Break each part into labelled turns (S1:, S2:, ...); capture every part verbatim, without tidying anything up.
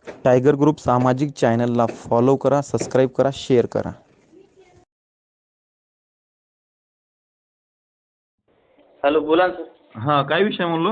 S1: Tiger group सामाजिक चॅनलला follow करा, सबस्क्राईब करा, शेअर करा.
S2: हॅलो, बोला ना सर.
S1: हा, काय विषय म्हणलो?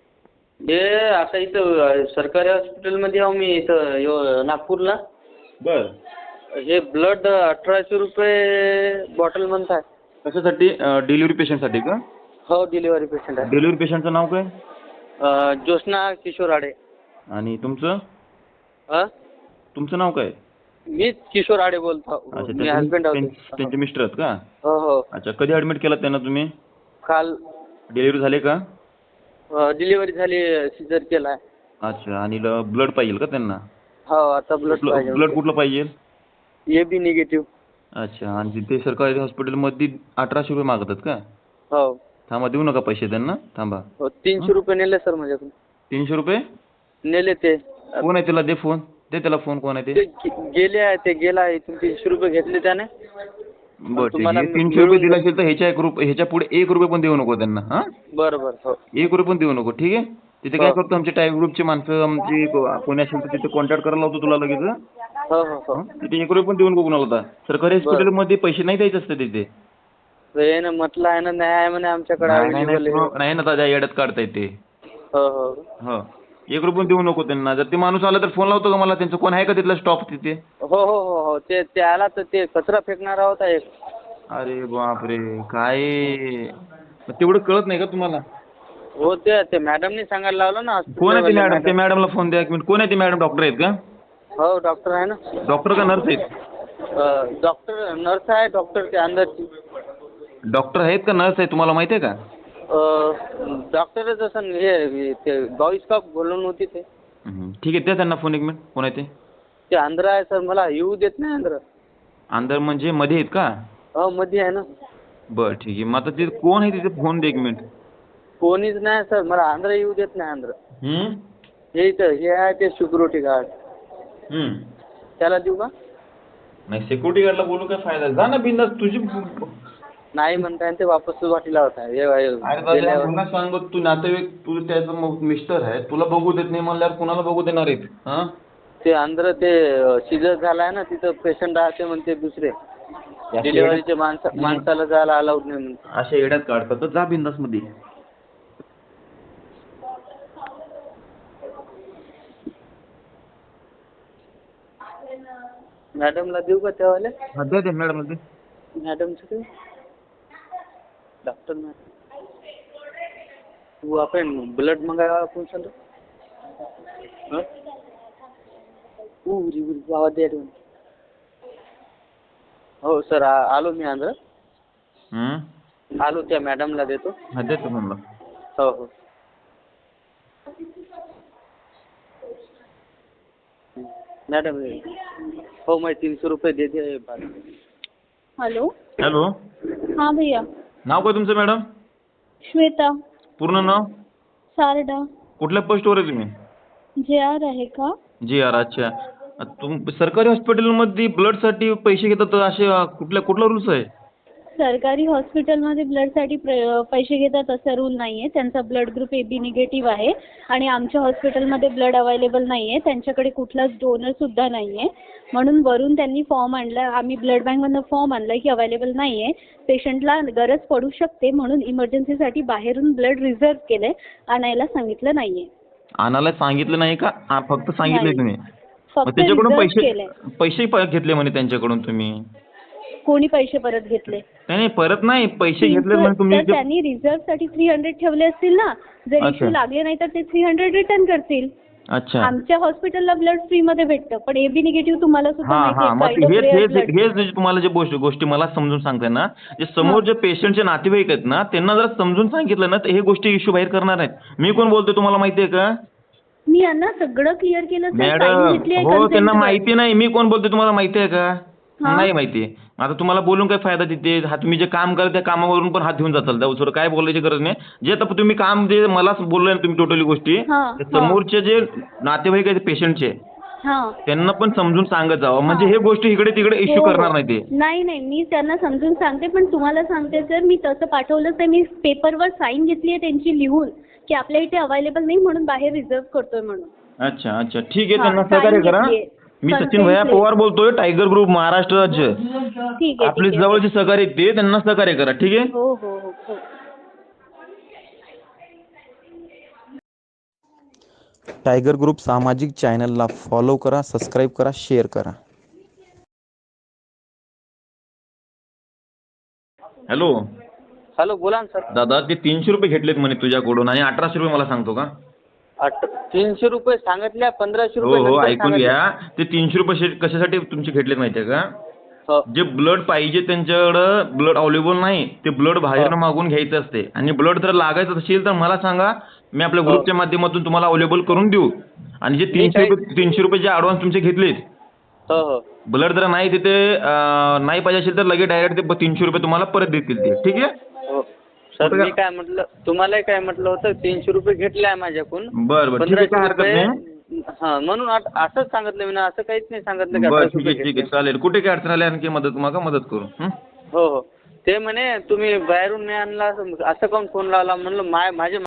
S2: हे असं इथं सरकारी हॉस्पिटलमध्ये आहो मी, इथं यो नागपूरला.
S1: बर.
S2: हे ब्लड अठराशे रुपये बॉटल म्हणताय.
S1: कशासाठी? डिलिव्हरी पेशंटसाठी का?
S2: हो, डिलिव्हरी पेशंट आहे.
S1: डिलिव्हरी पेशंटचं नाव काय?
S2: अ, ज्योत्स्ना किशोर आडे.
S1: आणि तुमचं
S2: हा,
S1: तुमचं नाव काय?
S2: मी किशोर आडे बोलतो.
S1: अच्छा,
S2: मी
S1: त्यांचे
S2: हजबंड
S1: त्यां-
S2: आहोत.
S1: त्यांचे मिस्टर आहेत का?
S2: हो हो.
S1: अच्छा, कधी ॲडमिट केलं त्यांना तुम्ही?
S2: काल
S1: डिलिव्हरी झाली का?
S2: डिलिव्हरी झाली, सिजर केला आहे.
S1: अच्छा, आणि ब्लड पाहिजे का त्यांना?
S2: हो, आता ब्लड पाहिजे.
S1: ब्लड कुठलं पाहिजे?
S2: A B negative.
S1: अच्छा, आणि तिथे सरकारी हॉस्पिटलमध्ये अठराशे रुपये मागतात का?
S2: हो
S1: थांबा, देऊ नका पैसे त्यांना, थांबा.
S2: हो. तीनशे रुपये नेले सर माझ्याकडून.
S1: तीनशे रुपये
S2: नेले ते.
S1: कोण आहे? त्याला दे फोन, दे त्याला फोन. कोण आहे
S2: ते
S1: ते?
S2: गे- गेले आहे ते गेला इथून. तीनशे रुपये घेतले त्याने.
S1: बरं, ठीक
S2: तुम्हाला
S1: आहे. तीनशे
S2: मिळून
S1: रुपये दिला असेल तर ह्याच्या एक रुपये ह्याच्या पुढे एक रुपये पण देऊ नको त्यांना. हा,
S2: बरं बरं. हो
S1: एक रुपये पण देऊ नको, ठीक आहे. तिथे काय
S2: हो.
S1: करतो, आमचे टायगर ग्रुपचे माणसं आमची कोणी असेल तर तिथे कॉन्टॅक्ट करायला लावतो तुला लगेच.
S2: हो हो हो.
S1: हं? तिथे एक रुपये पण देऊ नको कुणाला आता. सरकारी हॉस्पिटलमध्ये पैसे नाही द्यायचे असते तिथे.
S2: हे ना म्हटलं आहे ना, नाही आहे म्हणे आमच्याकडे
S1: नाही नाही
S2: अवेलेबल आहे.
S1: नाही, नाही ना दादा, येड्यात काढता येते.
S2: हो हो
S1: हो, एक रुपये पण देऊ नको त्यांना. जर ते माणूस आला तर फोन लावतो का मला? त्यांचं कोण आहे का तिथला स्टॉप तिथे?
S2: हो हो हो हो. ते ते आला तर ते कचरा फेकणारा होता एक.
S1: अरे बापरे, काय तेवढं कळत नाही का तुम्हाला?
S2: हो, ते ते मॅडमनी सांगायला लावलं ना.
S1: कोण आहे ते
S2: हॉस्पिटलवाल्या
S1: मॅडम? ते मॅडमला फोन द्या एक मिनिट. कोण आहे ते मॅडम? डॉक्टर आहेत का?
S2: हो, डॉक्टर आहे ना.
S1: डॉक्टर का नर्स आहेत?
S2: अ, डॉक्टर नर्स आहे. डॉक्टर ते अंदरची.
S1: डॉक्टर आहेत का नर्स आहे तुम्हाला माहिती आहे का?
S2: अ, डॉक्टरच असं हे ते बॉईस का बोलून होती ते.
S1: हं, ठीक आहे, द्या त्यांना फोन एक मिनिट. कोण आहे ते?
S2: ते अंदर आहे सर, मला येऊ देत नाही अंदर.
S1: अंदर म्हणजे मध्ये आहेत का?
S2: हो, मध्ये आहे ना.
S1: बरं, ठीक आहे. मग आता ते कोण आहे तिथे? फोन दे एक मिनिट.
S2: कोणीच नाही सर, मला अंदर येऊ देत नाही अंदर.
S1: हं?
S2: हे इथं हे आहे ते सिक्युरिटी गार्ड.
S1: हं.
S2: त्याला देऊ का?
S1: नाही, सिक्युरिटी गार्डला बोलू काय फायदा? जा ना बिंदास तुझी.
S2: नाही म्हणताय ते वापस वाटीला होता. हे
S1: अरे
S2: गेल्यावर
S1: दादा, पुन्हा सांग, तू नातेवाईक, तू त्याचा मिस्टर आहे, तुला बघू देत नाही म्हणल्यावर कुणाला बघू देणार आहेत? हा,
S2: ते अंदर ते सिजर झालाय ना, तिथं पेशंट राहते म्हणते दुसरे. डिलिव्हरीचे माणसा माणसाला जायला अलाउड नाही म्हणते.
S1: अशा येड्यात काढतात तर जा बिंदास मध्ये.
S2: मॅडमला देऊ का त्यावाले?
S1: हा, द्या द्या मॅडम दे.
S2: मॅडमचं काय? डॉक्टर मॅडम, तू आपण ब्लड मंगावा आपण सर. आवाज द्या. हो सर, आलो मी अंदर.
S1: हं?
S2: आलो, त्या मॅडमला देतो.
S1: हा, देतो म्हणलं.
S2: हो हो. मॅडम, हो, मैं तीनशे रुपये दे दे.
S3: हेलो.
S1: हॅलो,
S3: हाँ भैया.
S1: नाव काय तुमचं मॅडम?
S3: श्वेता
S1: पूर्ण नाव?
S3: सारडा.
S1: कुठल्या पोस्टवर आहे तुम्ही?
S3: जे आर आहे का?
S1: G R. अच्छा, तुम सरकारी हॉस्पिटलमध्ये ब्लडसाठी पैसे घेतात तर असे कुठल्या कुठला रूल्स आहे?
S3: सरकारी हॉस्पिटलमध्ये ब्लडसाठी प्र पैसे घेतात असा रूल नाही आहे. त्यांचा blood group A B negative आहे आणि आमच्या हॉस्पिटलमध्ये ब्लड अवेलेबल नाही आहे. त्यांच्याकडे कुठलाच डोनरसुद्धा नाही आहे. म्हणून वरून त्यांनी फॉर्म आणला, आम्ही ब्लड बँकमधनं फॉर्म आणला की अवेलेबल नाही आहे, पेशंटला गरज पडू शकते म्हणून इमर्जन्सीसाठी बाहेरून ब्लड रिझर्व केलं आहे, आणायला सांगितलं नाही आहे.
S1: आणायला सांगितलं नाही का? आ, फक्त सांगितलं
S3: नाही.
S1: तुम्ही? मग
S3: फक्त
S1: त्याच्याकडून
S3: रिझर्व
S1: पैसे
S3: केलंय.
S1: पैसे प- घेतले म्हणे त्यांच्याकडून तुम्ही?
S3: कोणी पैसे परत घेतले?
S1: नाही नाही, परत नाही, पैसे घेतले म्हणे तुम्ही.
S3: तर त्यांनी रिझर्वसाठी थ्री हंड्रेड ठेवले असतील ना, जर
S1: अच्छा.
S3: इश्यू लागले नाही तर ते थ्री हंड्रेड रिटर्न करतील.
S1: अच्छा.
S3: आमच्या हॉस्पिटलला ब्लड फ्रीमध्ये भेटतं, पण एबी निगेटिव्ह तुम्हाला सुद्धा
S1: हा
S3: माहिती
S1: हा,
S3: आहे,
S1: मग
S3: kind of
S1: हेच
S3: rare
S1: हेच
S3: blood.
S1: हेच जे तुम्हाला जे गोष्टी गोष्टी मला समजून सांगताय ना, जे समोर जे पेशंटचे नातेवाईक आहेत ना, त्यांना जर समजून सांगितलं ना तर हे गोष्टी इश्यू बाहेर करणार आहेत. मी कोण बोलतोय तुम्हाला माहिती आहे का?
S3: मी यांना सगळं क्लिअर केलं सर, sign
S1: मॅडम,
S3: घेतली आहे
S1: हो, त्यांना
S3: consent वर.
S1: माहिती नाही मी कोण बोलतोय तुम्हाला माहिती आहे का?
S3: हा.
S1: नाही माहिती. आता तुम्हाला बोलून काय फायदा तिथे? हा, तुम्ही जे काम करा त्या कामावरून पण हात घेऊन जाताल. त्या दुसरं काय बोलायची गरज नाही. जे आता तुम्ही काम जे मला बोलले ना तुम्ही टोटली गोष्टी,
S3: हा,
S1: ते
S3: हा.
S1: समोरचे जे नातेवाईक आहेत पेशंटचे,
S3: हा.
S1: त्यांना पण समजून सांगत जावं, म्हणजे
S3: हा.
S1: हे गोष्टी इकडे तिकडे इश्यू
S3: हो, हो.
S1: करणार नाही ते.
S3: नाही नाही, मी त्यांना समजून सांगते, पण तुम्हाला सांगते सर, मी तसं पाठवलंच नाही. मी पेपरवर साईन घेतली आहे त्यांची लिहून की आपल्या इथे अवेलेबल नाही म्हणून बाहेर रिझर्व करतोय म्हणून.
S1: अच्छा अच्छा ठीक आहे,
S3: हा,
S1: त्यांना
S3: sign
S1: सहकार्य करा.
S3: घेतलीये.
S1: मी सचिन
S3: Consent
S1: भैया
S3: ले-
S1: पवार बोलतोय, टायगर ग्रुप महाराष्ट्र राज्य.
S3: ठीक आहे
S1: आपले
S3: ठीक आहे.
S1: जवळचे सहकारी आहेत ते, त्यांना सहकार्य करा. ठीक आहे.
S3: हो हो हो हो.
S4: टायगर ग्रुप सामाजिक चॅनलला फॉलो करा, सबस्क्राईब करा, शेअर करा.
S1: हॅलो
S2: हॅलो बोला ना सर.
S1: दादा, ते तीनशे रुपये घेतलेत म्हणे तुझ्याकडून आणि अठराशे रुपये मला सांगतो का?
S2: अठ तीनशे रुपये सांगितल्या, पंधराशे
S1: हो
S2: रुपये
S1: हो
S2: नंतर
S1: ऐकून
S2: सांगितले.
S1: घ्या. ते तीनशे रुपये शे- कशासाठी तुमचे घेतलेत माहितीये का?
S2: हो
S1: जे ब्लड पाहिजे त्यांच्याकडं ब्लड अवेलेबल नाही, ते ब्लड बाहेरनं मागून घ्यायचं असते. आणि ब्लड जर लागायचं असेल तर मला सांगा, मी आपल्या
S2: हो.
S1: ग्रुपच्या माध्यमातून तुम्हाला अवेलेबल करून देऊ. आणि जे तीनशे
S2: काय-
S1: रुपये तीनशे रुपये जे ॲडव्हान्स तुमचे घेतलेत,
S2: हो हो
S1: ब्लड जर नाही तिथे अं, नाही पाहिजे असेल तर लगेच डायरेक्ट ते तीनशे रुपये तुम्हाला परत देतील ते. ठीक आहे.
S2: हो सर.
S1: कुठं
S2: मी काय म्हटलं, तुम्हालाही काय म्हटलं होतं, तीनशे रुपये घेतले आहे माझ्याकडून.
S1: बरं बरं ठीक आहे, काय हरकत नाही.
S2: हा म्हणून आत- असंच सांगितलं मी ना, असं काहीच नाही सांगितलं की
S1: बरं
S2: अठराशे
S1: ठीक
S2: रुपये
S1: आहे ठीक
S2: घेतले.
S1: आहे चालेल. कुठे काय अडचण आली आणखी मदत मागा, मदत करू. हं?
S2: हो हो. ते म्हणे तुम्ही बाहेरून नाही आणला, असं असं काऊन फोन लावला. म्हणलं माय माझे